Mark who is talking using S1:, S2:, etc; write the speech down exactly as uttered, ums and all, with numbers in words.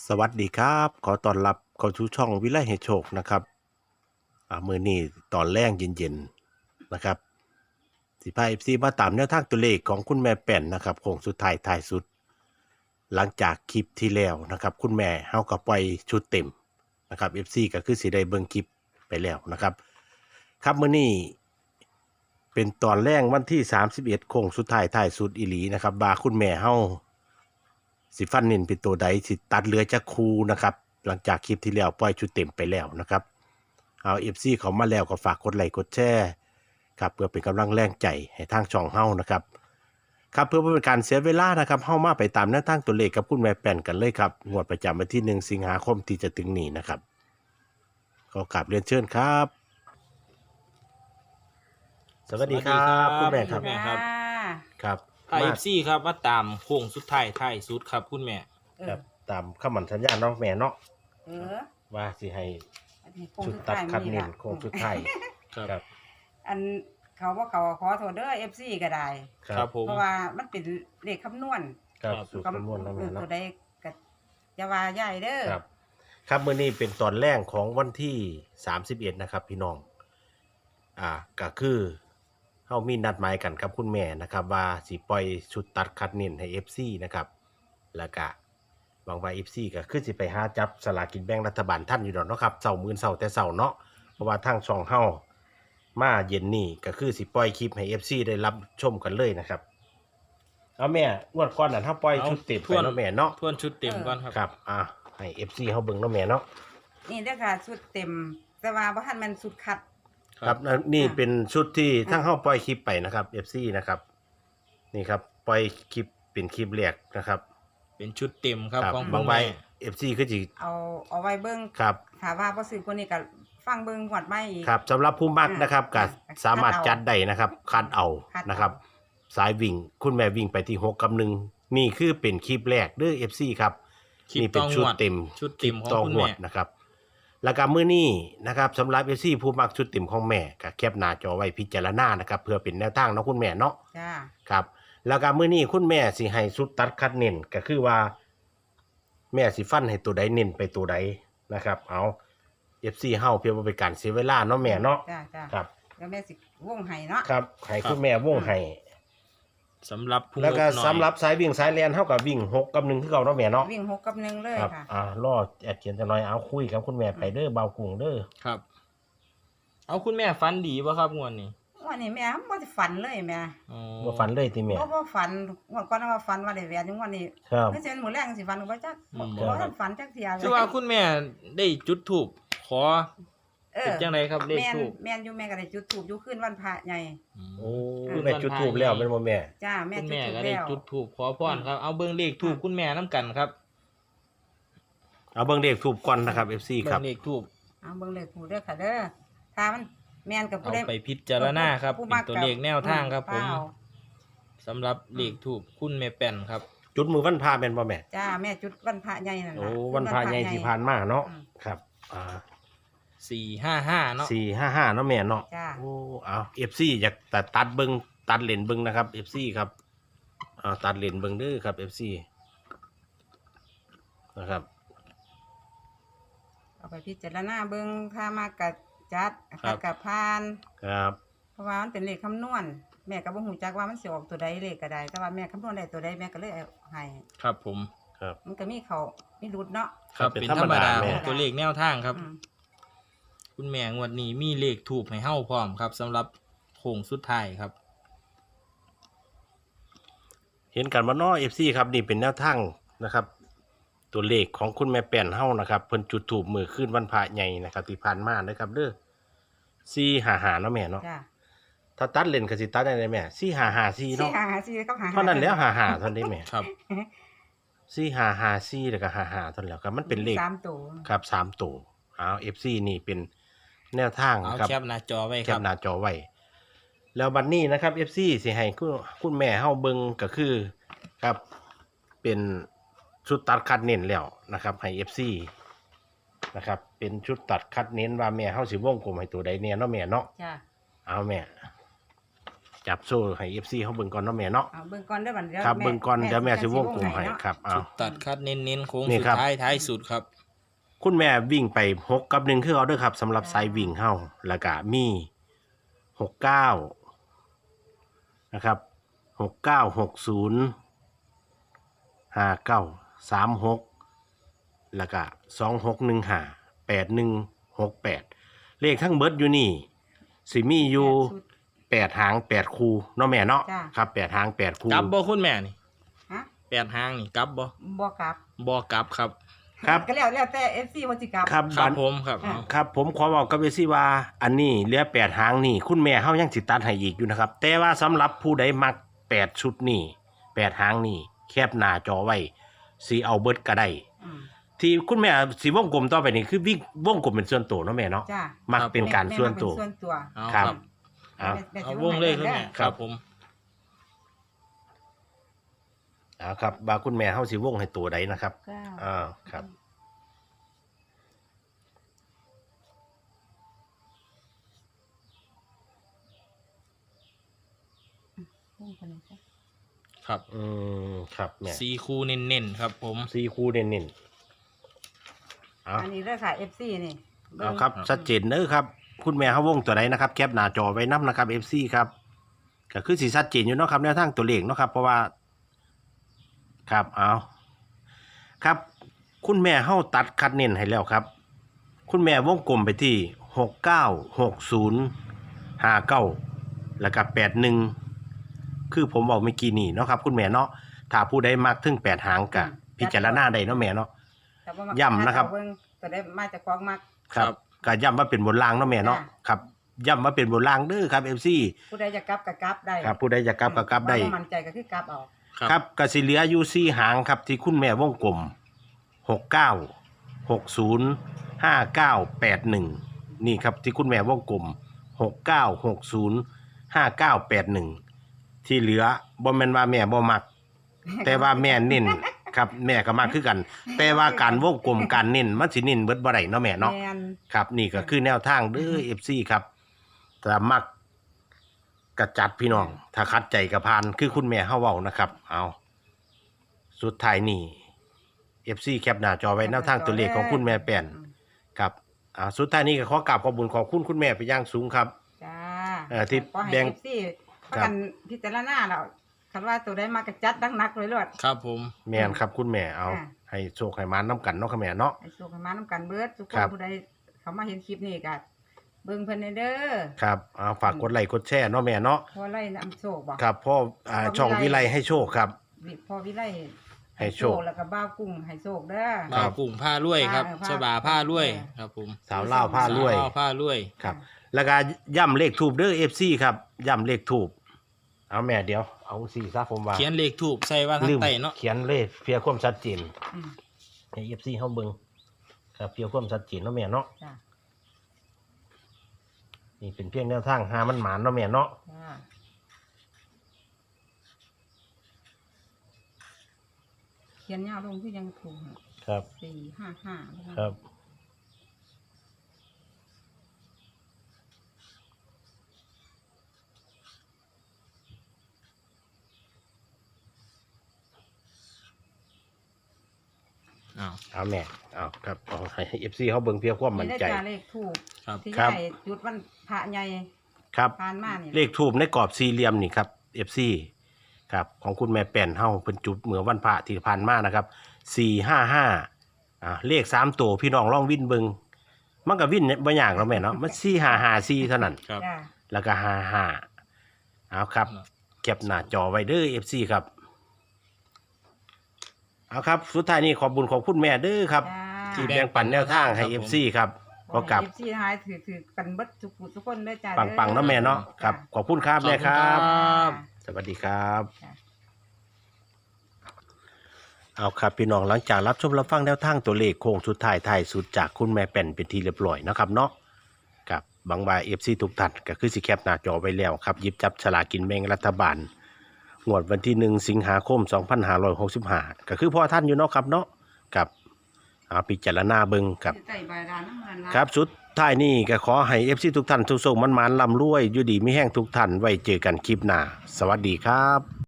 S1: สวัสดีครับขอต้อนรับเข้าสู่ช่องวิไลให้โชคนะครับอ่ามื้อนี้ตอนแรงเย็นๆนะครับสิพา เอฟ ซี มาตามแนวทางตัวเลขของคุณแม่แป่นนะครับโค้งสุดท้ายท้ายสุดหลังจากคลิปที่แล้วนะครับคุณแม่เฮาก็ปล่อยชุดเต็มนะครับ เอฟ ซี ก็คือสิได้เบิ่งคลิปไปแล้วนะครับครับมื้อนี้เป็นตอนแรกวันที่สามสิบเอ็ดโค้งสุดท้ายท้ายสุดอีหลีนะครับว่าคุณแม่เฮา สิฟันเน้นเป็นตัวใดสิตัดเหลือจากคูนะครับหลังจากคลิปที่แล้วปล่อยชุดเต็มไปแล้วนะครับเอา เอฟ ซี เขามาแล้วก็ฝากกดไลค์กดแชร์ครับเพื่อเป็นกำลังแรงใจให้ทางช่องเฮานะครับครับเพื่อเป็นการเสียเวลานะครับเฮามาไปตามแนวทางตัวเลขกับคุณแม่แป่นกันเลยครับงวดประจำวันที่หนึ่งสิงหาคมที่จะถึงนี้นะครับขอกราบเรียนเชิญครับสวัสดีครับคุณแม่ครับ
S2: แม่ครับ
S1: ครับ
S2: ไอเอฟซีครับมาตามโค้งสุดท้ายท้ายสุดครับคุณแม่
S1: ครั
S3: เออบ
S1: ตามคำมั่นสัญญาเนาะแม่เนาะ
S3: เออ
S1: ว่าสิให้
S3: อันนี้โค้ง
S1: ชุด
S3: สุด
S1: ตัด
S3: ท้าย
S1: คัด
S3: มื้อ
S1: เน้น
S3: ล่ะ
S1: โค้งสุดท้าย ครับ
S3: อันเขาว่าเขาขอโทษเด้อ เอฟ ซี ก็ได้
S2: ครับผม
S3: เพราะว่ามันเป็นเลขคำนวณ
S1: ครับ
S2: ครับ
S1: สูตรคำนวณแล้ว
S3: เอ
S1: แม่
S3: อตั
S1: เนาะ
S3: วใดก็จะว่าใหญ่เด้อ
S1: ครับ ครับมื้อนี้เป็นตอนแรกของวันที่สามสิบเอ็ดนะครับพี่น้องอ่าก็คือเฮามีนัดหมายกันกับคุณแม่นะครับ ว่าสิปล่อยชุดตัดคัดเน้นให้ เอฟ ซี นะครับแล้วก็หวังว่า เอฟ ซี ก็คือสิไปหาจับสลากกินแบ่งรัฐบาลท่านอยู่ดอกเนาะครับเช้ามื้อเช้าแต่เช้าเนาะเพราะว่าทางช่องเฮามาเย็นนี้ก็คือสิปล่อยคลิปให้ เอฟ ซี ได้รับชมกันเลยนะครับเอาแม่งวดก่อนน่ะถ้าปล่อยชุดเต็มไปเนาะแม่เนาะ
S2: ทวนชุดเต็มก่อนครับ
S1: ครับอ่ะให้ เอฟ ซี เฮาเบิ่งเนาะแม่เนาะ
S3: นี่เด้อค่ะชุดเต็ม แต่ว่าบ่ทันแม่นชุดคัด
S1: ครับนี่
S3: อ่ะ
S1: เป็นชุดที่
S3: อ่ะ
S1: ทั้งเฮาปล่อยคลิปไปนะครับ เอฟ ซี นะครับ นี่ครับปล่อยคลิปเป็นคลิปแรกนะครับ
S2: เป็นชุดเต็มครับของ
S1: บา
S2: คุ
S1: ง
S2: ณ
S1: ใบ
S2: แม่
S1: เอฟ ซี คือสิ
S3: เอาเอาไว้เบิ่ง
S1: ครับ
S3: ถ้าว่าบ่ซื้อคนนี้ก็ฟังเบิ่งหวดใหม่อีก
S1: ครับสำหรับผู้มัก
S3: อ่ะ
S1: นะครับก็
S3: อ่ะ
S1: สามารถ
S3: คัดเอา
S1: จัดได้นะครับคัดเอา
S3: คัดเอา
S1: นะครับ สายวิ่งคุณแม่วิ่งไปที่หกกับหนึ่งนี่คือเป็นคลิปแรกเด้อ เอฟ ซี ครับ
S2: คลิป
S1: นี่เป็น
S2: ต้อง
S1: ชุด
S2: หวด
S1: เต็ม
S2: ชุดเต็มของ
S1: ต่อ
S2: คุณ
S1: หว
S2: แม่
S1: ดนะครับ แล้วก็มื้อนี้นะครับสำหรับ เอฟ ซี ผู้มักชุดเต็มของแม่ก็แคปหน้าจอไว้พิจารณานะครับเพื่อเป็นแนวทางเนาะคุณแม่เนาะ
S3: จ้า
S1: ครับแล้วก็มื้อนี้คุณแม่สิให้ชุดตัดคัดเน้นก็คือว่า แม่สิฟันให้ตัวใดเน้นไปตัวใดนะครับ เอา เอฟ ซี เฮาเพื่อบ่เป็นการเสียเวลาเนาะแม่เนาะ
S3: จ้าจ้า
S1: ครับ
S3: แล้วแม่สิวงให้เนาะ
S1: ครับให้คุณแม่วงให้
S2: สำหรับผู้
S1: แล้วก็
S2: งบน้อย
S1: สำหรับสายวิ่งสายแล่นเฮาก็วิ่งหกกับหนึ่งคือเก่าเนาะแม่เนาะ
S3: วิ่งหกกับหนึ่งเลย
S1: ครับ
S3: ค่ะ
S1: อ่ารอแอดเขียนจังหน่อยเอาคุยกับคุณแม่ไปเด้อเบากุ้งเด้อ
S2: ครับ เอาคุณแม่ฟันดีป่ะครับงวดนี้
S3: วันนี้แม่บ่ได้ฝันเลยแม่
S2: อ๋อ
S1: บ่ฝันเลยติแม่
S3: บ่บ่ฝันงวดก่อนว่าฝันว่าได้แหวนอยู่งวดนี้
S1: ครับ
S3: ไม่ใช่มื้อแรกสิฝันก็บ่จัก
S2: อืม
S3: บ่ทันฝันจักเที่ยเลย
S2: คือว่าคุณแม่ได้จุดถูกขอ
S3: เอ
S2: เป็น
S3: อ
S2: จังไรครับเลข
S3: แม่น
S2: ถูก
S3: แม่นอยู่แม่ก็ได้จุดธูปอยู่คืนวันพระใหญ่
S1: โอ้
S3: อืม
S1: แม่จุดทูบแล้วแม่นบ่แม่
S3: จ้าแม่
S2: คุณ
S3: จุด
S2: แม่
S3: ธูป
S2: ก็ได้
S3: แล้ว
S2: จุดถูกขอพรครับเอาเบิ่งเลขถูกคุณแม่น้ำกันครับ
S1: เอาเบิ่งเลขทูบก่อนนะครับ เอฟ ซี ค
S2: เบิ่
S1: รับ
S2: งเลขถูก
S3: เอาเบิ่งเลขถูกเด้อค่ะเด้อถ้ามันแม่นกับ
S2: เอา
S3: ผู้ใด
S2: ไปพิจารณาครับ
S3: ผู้
S2: เป็น
S3: มัก
S2: ตัว
S3: กับ
S2: เลขแนวทางครับ ผม
S3: เปล่า
S2: สำหรับเลขถูกคุณแม่แป่นครับ
S1: จุดมือวันพระแม่นบ่แม่
S3: จ้าแม่จุดวันพระใหญ่นั่น
S1: โอ้
S3: ล่ะ
S1: วันพระใหญ่ที่ผ่านมาเนาะ
S3: อืม
S1: ครับ อ่า
S2: สี่ห้าห้าเนาะ
S1: สี่ห้าห้าเนาะแม่เนาะ
S3: จ้า
S1: โอ้เอา เอฟ ซี อยากตัดตัดเบิงตัดเลนเบิงนะครับ เอฟ ซี ครับเอาตัดเลนเบิงเด้อครับ เอฟ ซี นะครับ
S3: เอาไปพิจารณาเบิ่งถ้ามากกับจัดคัดกับพาน
S1: ครับ
S3: เพราะว่ามันเป็นเลขคำนวณแม่ก็บ่ฮู้จักว่ามันสิออกตัวใดเลขก็ได้แต่ว่าแม่คำนวณได้ตัวใดแม่ก็เลยเอาให้
S2: ครับผม
S1: ครับ
S3: มันก็มีเขามีรุดเนาะ
S2: ครับ
S1: เป็น
S2: เป็น
S1: ธร
S2: ธร
S1: ร
S2: ร
S1: ม
S2: ม
S1: ดา
S2: ดา
S1: แม่
S2: ของตัวเลขแนวทางครับ
S3: อืม
S2: คุณแม่งวดนี้มีเลขถูกให้เฮ้าพร้อมครับสำหรับโค้งสุดท้ายครับ
S1: เห็นกันบ่เนาะ เอฟ ซี ครับนี่เป็นแนวทางนะครับ ตัวเลขของคุณแม่แป้นเฮานะครับเพิ่นจุดถูกมือขึ้นวันพระใหญ่นะครับที่ผ่านมานะครับเด้อสี่ห้าห้าเนาะแม่เนาะ
S3: จ้า
S1: ถ้าตัดเลนก็สิตัดได้เลยแม่สี่ห้าห้าสี่
S3: สี่
S1: เนาะ
S3: หาหาสี่ก็หา
S1: เท่านั้นแล้วห้าห้าเท่านั้นแม่
S2: ครับ
S1: สี่ห้าห้าสี่แล้วก็ห้าห้าเท่านั้นแล้วครับมันเป็นเลข
S3: สามตัว
S1: ครับสามตัวเอา เอฟ ซี นี่เป็นแนวทาง
S2: เอา
S1: นะครับ
S2: แคปหน้าจอไว้
S1: แค
S2: ครั
S1: ป
S2: บ
S1: หน้าจอไว้ แล้วบัดนี้นะครับ เอฟ ซี สิให้คุณคุณแม่เฮาเบิ่งก็คือครับเป็นชุดตัดคัดเน้นแล้วนะครับให้ เอฟ ซี นะครับเป็นชุดตัดคัดเน้นว่าแม่เฮาสิวงกลมให้ตัวใดเนี่ยเนาะแม่เนาะ
S3: จ้า
S1: เอาแม่จับโซ่ให้ เอฟ ซี เฮาเบิ่งก่อนเนาะแม่เนาะ
S3: เอาเบิ่งก่อนเด้อบัดเดี๋ยว
S1: ครับ
S3: แม่
S1: เบิ่งก่อนเดี๋ยวแม่สิวงกลม
S3: ให้
S1: ให้
S3: เนาะ
S1: ครับเอา
S2: ชุดตัดคัดเน้นๆโค้ง
S1: นี่
S2: สุด
S1: ครับ
S2: ท้ายท้ายสุดครับ
S1: คุณแม่วิ่งไปหกกับหนึ่งคือเอาเด้อครับสำหรับสายวิ่งเฮาแล้วก็มีหกเก้านะครับหกเก้าหกศูนย์ห้าเก้าสามหกแล้วก็สองหกหนึ่งห้าแปดหนึ่งหกแปดเลขทั้งเบิดอยู่นี่สิมีอยู่
S3: ชุด
S1: แปดหางแปดคู่เนาะแม่เนาะ
S3: จ้ะ
S1: ครับแปดหางแปดคู่
S2: กลับบ่คุณแม่นี่
S3: ฮะ
S2: แปดหางนี่กลับบ่
S3: บ่กลับ
S2: บ่กลับครับ
S1: ครับ
S3: ก็แล้วแล้วแต่ เอฟ ซี ว่าสิกลับ
S1: ครับ
S2: ครับ
S1: บัด
S2: ผมครับ
S3: อ่า
S1: ครับผมขอบอกกับเอซี่ว่าอันนี้เหลือแปดหางนี่คุณแม่เฮายังสิตัดให้อีกอยู่นะครับ แต่ว่าสำหรับผู้ใดมักแปดชุดนี่แปดหางนี่แคบหน้าจอไว้สิเอาเบิดก็ได้
S3: อืม
S1: ที่คุณแม่สีวงกลมต่อไปนี่คือวิ่งวงกลมเป็นส่วนตัวเนาะแม่เนาะ
S3: จ้า
S1: มักเป็นการ
S3: แม่
S1: ส่วน
S3: แม่
S1: ตัว
S3: เป็นส่วนตัว
S2: เอา
S1: ค
S2: ค
S1: รั
S2: รั
S1: บบ เอา
S3: แม่แม่
S2: เอา
S3: สิ
S2: วงเลขคุณ
S3: ให้
S2: แม่
S3: ด้อ
S2: ครับผม
S1: เอาครับบาคุณแม่เฮาสิวงให้ตัวใดนะครับ
S3: เก้า
S1: อ่าครับ
S3: วงคนนี้จ้ะ
S2: ครับ
S1: อืมครับแม่
S2: สี่คู่เน้นๆครับผม
S1: สี่คู่เน้นๆเอา
S3: อันนี้เด้อค่ะ เอฟ ซี นี่เง
S1: เอาครับชัดเจนเด้อครับ คุณแม่เฮาวงตัวใดนะครับแคปหน้าจอไว้นํนะครับ เอฟ ซี ครับก็คือสิชัดเจนอยู่เนาะครับแนวทางตัวเลขเนาะครับเพราะว่า ครับเอาครับ คุณแม่เฮาตัดคัดเน้นให้แล้วครับ คุณแม่วงกลมไปที่หกเก้าหกศูนย์ห้าเก้าแล้วก็แปดหนึ่งคือผมบอกเมื่อกี้นี่เนาะครับ คุณแม่เนาะถ้าผู้ใดมักถึงแปดหางกะพิจารณาได้เนาะแม่เนาะ
S3: แต่ว่ามั
S1: ย่ำนะครับ
S3: เบิ่งตัวได้มาจากของมัก
S1: ครับก็ย้ำว่าเป็นบนรางเนาะแม่เนาะ
S3: จ้ะ
S1: ครับย้ำว่าเป็นบนรางเด้อครับ เอฟ ซี
S3: ผู้ใดจะกลับก็กลับได้
S1: ครับผู้ใดจะกลับก็กลับได้
S3: ว่าบ่มั่นใจก็คือกลับเอา
S1: ครับกสิเหลืออยู่สี่หางครับที่คุณแม่วงกลมหกเก้าหกศูนย์ห้าเก้าแปดหนึ่งนี่ครับที่คุณแม่วงกลมหกเก้าหกศูนย์ห้าเก้าแปดหนึ่งที่เหลือบ่แม่นว่าแม่บ่มัก แต่ว่าแม่เน้นครับแม่ก็มักคือกัน แต่ว่าการวงกลมการเน้นมันสิเน้นเบิดบ่ได้เนาะแม่เนาะ
S3: แม่น
S1: ครับนี่ก็คือแนวทางเด้อ เอฟ ซี ครับถ้ามักกระจัดพี่น้อง ถ้าคัดใจกระพานคือคุณแม่เฮาเว้านะครับ เอาสุดท้ายนี่ เอฟ ซี แคปหน้าจอไว้แนวทางตัวเลขของคุณแม่แป้นครับอ่าสุดท้ายนี้ก็ขอกราบขอบคุญขอบคุณคุณแม่ไปนอย่างสูงครับ
S3: จ้า
S1: เอ่อที่
S3: ขอให้
S1: แบ่ง
S3: เอฟซีประกันพิจารณาแล้วคันว่าตัวได้มากระจัดดังนักเลยลวด
S2: ครับผม
S1: แม่นครับคุณแม่เอา
S3: อ่า
S1: ให้โชคให้มานน้ำกันเนาะค่ะแม่เนาะ
S3: ให้โชคให้มานํกันเบิดทุกค
S1: ครั
S3: น
S1: บ
S3: ผู้ใดเขามาเห็นคลิปนี้ก็เบิ่งเพิ่นเด้อ
S1: ครับเอาฝากกดไลค์กดแชร์เนาะแม่เนาะ
S3: พอไล่นำโชคบ่
S1: ครับพ่ออ่า
S3: พ่อวิไล
S1: ช่องวิไลให้โชคครับ
S3: วิพอวิไล
S1: ให้โชค
S3: แล้วก็บ้าวกุ้งให้โชคเด้อ
S2: บ่าวกุ้งผ้าลวยครับ
S3: ผ้า
S2: ฉบาผ้าลวย
S3: ผ้า
S2: ครับผม
S1: สาวเล่าวผ้ารวย
S2: สาวผ้าลวย
S1: ครับแล้วก็ย่ำเลขทูบเด้อ เอฟ ซี ครับย่ำเลขทูบเอาแม่เดี๋ยวเอาสี่ซะผมว่า
S2: เขียนเลขถูกใส่ว่าทาง
S1: ลืม
S2: ใต้เนาะ
S1: เขียนเลขเพียความชัดเจน
S3: อืม
S1: ให้ เอฟ ซี เฮาเบิ่งครับเพียความชัดเจนเนาะแม่เนาะ
S3: จ้า
S1: นี่เป็นเพียงแนวทางหามันหมานเนาะแม่เนาะ
S3: จ้าเขียนยาวลงคือยังถูก
S1: ครับ
S3: สี่ห้าห้า
S1: ครับ
S2: อ้าว
S1: เอาแม่เอาครับเอาให้ เอฟ ซี เฮาเบิ่งเพียความมั่นใจ
S3: ได้จาเลขถูก
S2: ครับ
S3: ที่
S1: ครับ
S3: ใหญ่จุดวันพระใหญ่
S1: ครับ
S3: ผ่านมานี่
S1: เลขทูบในกรอบสี่เหลี่ยมนี่ครับ เอฟ ซี ครับของคุณแม่แป้นเฮาเป็นจุดเมื่อวันพระที่ผ่านมานะครับสี่ห้าห้าอ่าเลขสามตัวพี่น้องลองวิ่นเบิงมันก็วิ่นบ่ยากแล้วแม่เนาะมันสี่ห้าห้าสี่เท่านั้น
S2: ครับ
S3: จ้า
S1: แล้วก็ห้าห้าเอาครับเก็บหน้าจอไว้เด้อ เอฟ ซี ครับเอาครับสุดท้ายนี้ขอบบุญขอบคุณแม่เด้อครับ
S3: จ้า
S1: ที่แบ่งปันแนวทางให้ เอฟ ซี ครับขอกับ
S3: เอฟซีหายถือถือกันเบิดทุกผู้ทุกคนเด้อจ้า
S1: ปังๆเนาะแม่เนาะครับขอบคุณครับแม่ครับ
S2: ขอบคุณครับ
S1: สวัสดีครับ
S3: จ้า
S1: เอาครับพี่น้องหลังจากรับชมรับฟังแนวทางตัวเลขโค้งสุดท้ายท้ายสุดจากคุณแม่แป่นเป็นที่เรียบร้อยนะครับเนาะกับบางวายเอฟซีทุกท่านก็คือสิแคปหน้าจอไว้แล้วครับหยิบจับฉลากกินแบ่งรัฐบาลงวดวันที่หนึ่งสิงหาคมสองพันห้าร้อยหกสิบห้าก็คือพ่อท่านอยู่เนาะครับเนาะกับเอาพิจารณาเบิ่งกับ
S3: ใส่ใบดานน้ำมันละ
S1: ครับสุดท้ายนี้ก็ขอให้ เอฟ ซี ทุกท่านทุกโชคมันๆร่ำรวยอยู่ดีมีแห้งทุกท่านไว้เจอกันคลิปหน้าสวัสดีครับ